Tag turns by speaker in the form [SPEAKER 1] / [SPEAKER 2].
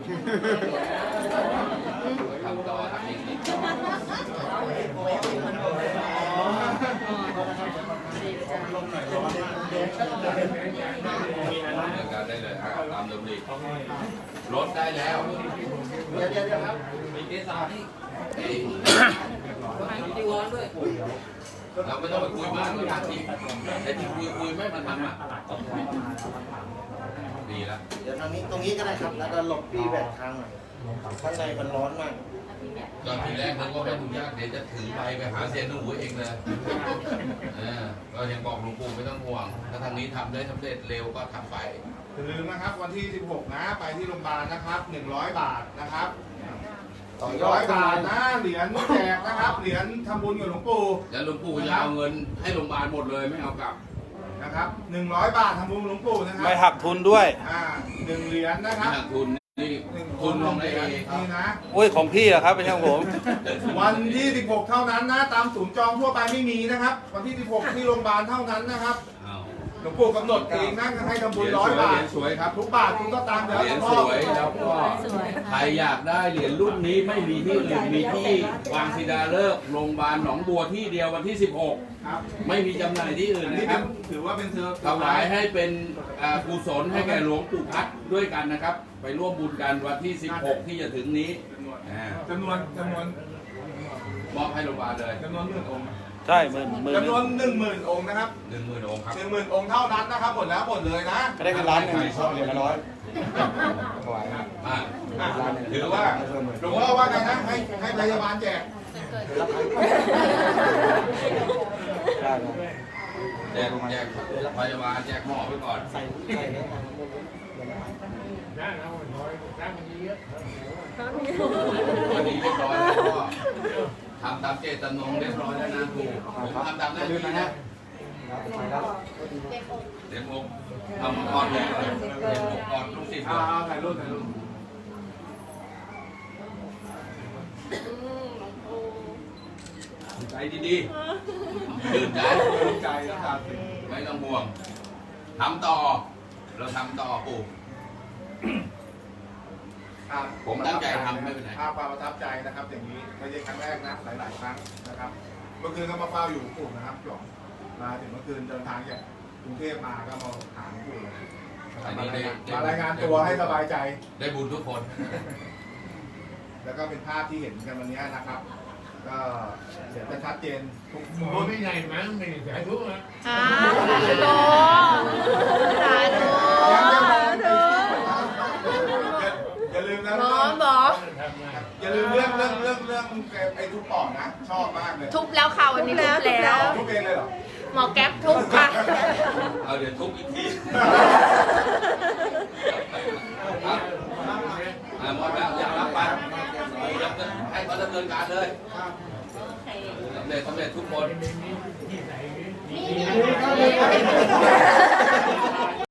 [SPEAKER 1] ทำต่อทำอีกการได้เลยตามเดิมดีรถได้แล้วเดี๋ยวครับมีเกสรนี่เราไม่ต้องไปคุยมากเราทำจริงแต่ที่คุยไม่มันทำอ่ะดีแล้ว
[SPEAKER 2] เดี๋ยวทางนี้ตรงนี้ก็ได้ครับแล้วก็หลบปีแบกทางหน่อยข้างในมันร้อนมาก
[SPEAKER 1] ตอนทีแรกนึกว่าไม่ทุกยากเดี๋ยวจะถือไปหาเซียนหนูเองเลยก็ยังบอกหลวงปู่ไม่ต้องห่วงถ้าทางนี้ทำได้สำเร็จเร็วก็ทำไป
[SPEAKER 3] อย่าลืมนะครับวันที่16นะไปที่โรงพยาบาลนะครับ100 บาทนะครับ100 บาทนะเหรียญแจกนะครับเหรียญทำบุญกับหลวงปู่
[SPEAKER 1] แล้วหลวงปู่จะเอาเงินให้โรงพยาบาลหมดเลยไม่เอากลับ
[SPEAKER 3] นะครับ100 บาททำบุญหลวงปู่นะครับ
[SPEAKER 4] ไม่หักทุนด้วย
[SPEAKER 3] 1 เหรียญนะครับ
[SPEAKER 1] ทุนนี่ทุนลงได้เอง
[SPEAKER 3] นี่นะ
[SPEAKER 4] โอ้ยของพี่อะครับไม่ใช่ของผม
[SPEAKER 3] วันที่16เท่านั้นนะตามศูนย์จองทั่วไปไม่มีนะครับวันที่16ที่โรงพยาบาลเท่านั้นนะครับหลวงปู่กำหนดเองนะให้ทำบุญ100 บาท
[SPEAKER 1] สวยครับ
[SPEAKER 3] ทุกบาทคุณก็ตามเดี๋ยว
[SPEAKER 1] เหรียญสวยแล้วก็ใครอยากได้เหรียญรุ่นนี้ไม่มีที่อื่นมีที่วางศิลาฤกษ์โรงพยาบาลหนองบัวที่เดียววันที่16ไม่มีจำหน่ายที่อื่นนะครับ
[SPEAKER 3] ถือว่าเป็น
[SPEAKER 1] ถวายให้เป็นกุศลให้แก่หลวงปู่พัดด้วยกันนะครับไปร่วมบุญกันวันที่16ที่จะถึงนี้
[SPEAKER 3] จำนวน
[SPEAKER 1] มอบให้โรงพยาบาลเลย
[SPEAKER 3] จำนวน10,000 องค์
[SPEAKER 4] ใช่
[SPEAKER 3] จำนวน10,000 องค์นะครับ
[SPEAKER 1] 10,000 องค์ครับ
[SPEAKER 3] 10,000 องค์เท่านั้นนะครับหมดแล้วหมดเลยนะ
[SPEAKER 4] ก็ได้กัน1,000,000เหรียญละ100
[SPEAKER 3] ถือว่าหลวงพ่อว่าไงนะให้พยาบาลแจก
[SPEAKER 1] แจกพยาบาลแจกหมอไปก่อนวันนี้เรียบร้อยแล้วก็ทำตามเจตจำนงเรียบร้อยแล้วนะครูผมทำตามหน้าที่นะเดี๋ยวผมทำก่อนเลยเดี๋ยวผมก่อนลูกศิษย์
[SPEAKER 3] ถ่ายรูป
[SPEAKER 1] ใจดีๆตื่นใจ
[SPEAKER 3] นะครับ
[SPEAKER 1] ไม่ต้องห่วงทำต่อเราทำต่อปู่ผมตั้งใจทำไม่เป็นไร
[SPEAKER 3] ความประทับใจนะครับอย่างนี้ไม่ใช่ครั้งแรกนะหลายๆครั้งนะครับเมื่อคืนก็มาเฝ้าอยู่ปู่นะครับหยองมาถึงเมื่อคืนเดินทางจากกรุงเทพมาก็มาหาปู่มารายงานตัวให้สบายใจ
[SPEAKER 1] ได้บุญทุกคน
[SPEAKER 3] แล้วก็เป็นภาพที่เห็นกันวันนี้นะครับก็เดี๋ยวจะชัดเจนทุก
[SPEAKER 5] คนไม่ใหญ่มั้งไม่ใหญ่ทุกนะ
[SPEAKER 6] สาธุสาธุ
[SPEAKER 3] อย่าลืมนะอย่าลืมเรื่องไอ้ทุบปอดนะชอบมากเลย
[SPEAKER 6] ทุบแล้วค่ะวันนี้ทุบแล้ว
[SPEAKER 3] ทุบเองเลยเหรอ
[SPEAKER 6] หมอแก๊ปทุบค่ะ
[SPEAKER 1] เอาเดี๋ยวทุบอีกทีหมดแล้วอยากรับไปให้เขาดำเนินการเลยสำเร็จทุกคน